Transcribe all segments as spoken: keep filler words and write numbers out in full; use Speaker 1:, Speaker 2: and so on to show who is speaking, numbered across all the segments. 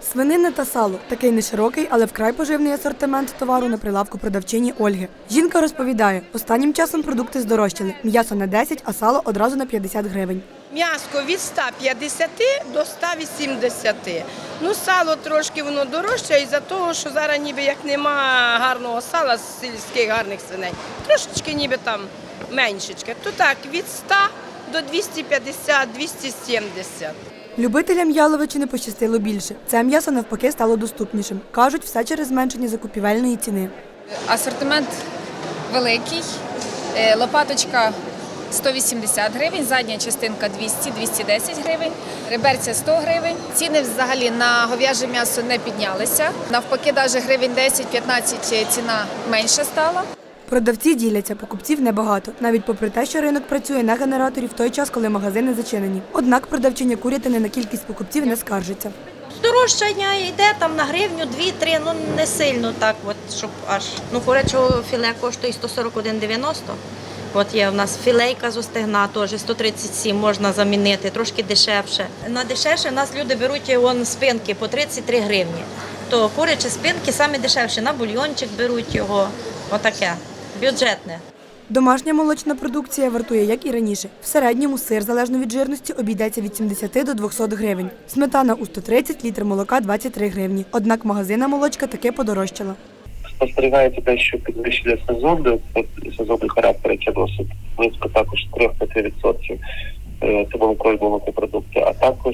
Speaker 1: Свинина та сало – такий неширокий, але вкрай поживний асортимент товару на прилавку продавчині Ольги. Жінка розповідає, останнім часом продукти здорожчали. М'ясо на десять, а сало одразу на п'ятдесят гривень.
Speaker 2: М'ясо від ста п'ятдесяти до ста вісімдесяти. Ну, сало трошки воно дорожче із-за того, що зараз ніби як нема гарного сала з сільських гарних свиней. Трошечки ніби там меншечки. То так, від ста до двохсот п'ятдесят - двісті сімдесят.
Speaker 1: Любителям яловичини пощастило більше. Це м'ясо навпаки стало доступнішим. Кажуть, все через зменшення закупівельної ціни.
Speaker 3: Асортимент великий, лопаточка сто вісімдесят гривень, задня частинка двісті - двісті десять гривень, реберця сто гривень. Ціни взагалі на говяже м'ясо не піднялися. Навпаки, навіть гривень десять - п'ятнадцять ціна менша стала.
Speaker 1: Продавці діляться, покупців небагато, навіть попри те, що ринок працює на генераторі в той час, коли магазини зачинені. Однак продавчиня курятини на кількість покупців не скаржиться.
Speaker 4: Здорожчання йде там на гривню, дві-три, ну не сильно так, от, щоб аж. Ну, курячого філе коштує сто сорок один дев'яносто. От є у нас філейка з остигна, теж сто тридцять сім можна замінити, трошки дешевше. На дешевше у нас люди беруть вон, спинки по тридцять три гривні. То курячі спинки самі дешевші, на бульйончик беруть його, отаке, бюджетне.
Speaker 1: Домашня молочна продукція вартує, як і раніше. В середньому сир, залежно від жирності, обійдеться від сімдесяти до двохсот гривень. Сметана у сто тридцять, літр молока – двадцять три гривні. Однак магазинна молочка таки подорожчала.
Speaker 5: Спостерігається те, що підвищення сезону, сезонний характер, який досить близько також три-п'ять відсотків, це молоко і молокопродукти, а також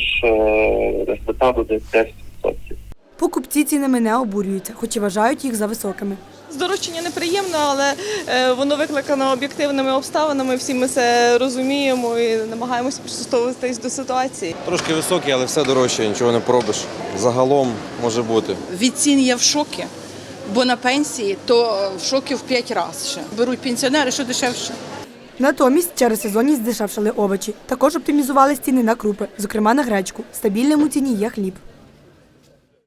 Speaker 5: на сметану десь десять відсотків.
Speaker 1: Покупці цінами не обурюються, хоч і вважають їх за високими.
Speaker 6: Здорожчання неприємно, але воно викликано об'єктивними обставинами, всі ми це розуміємо і намагаємося пристосовуватись до ситуації.
Speaker 7: Трошки високі, але все дорожче, нічого не поробиш. Загалом може бути.
Speaker 8: Від цін я в шокі, бо на пенсії то в шокі в п'ять разів ще. Беруть пенсіонери, що дешевше.
Speaker 1: Натомість через сезонність здешевшали овочі. Також оптимізували ціни на крупи, зокрема на гречку. Стабільним у ціні є хліб.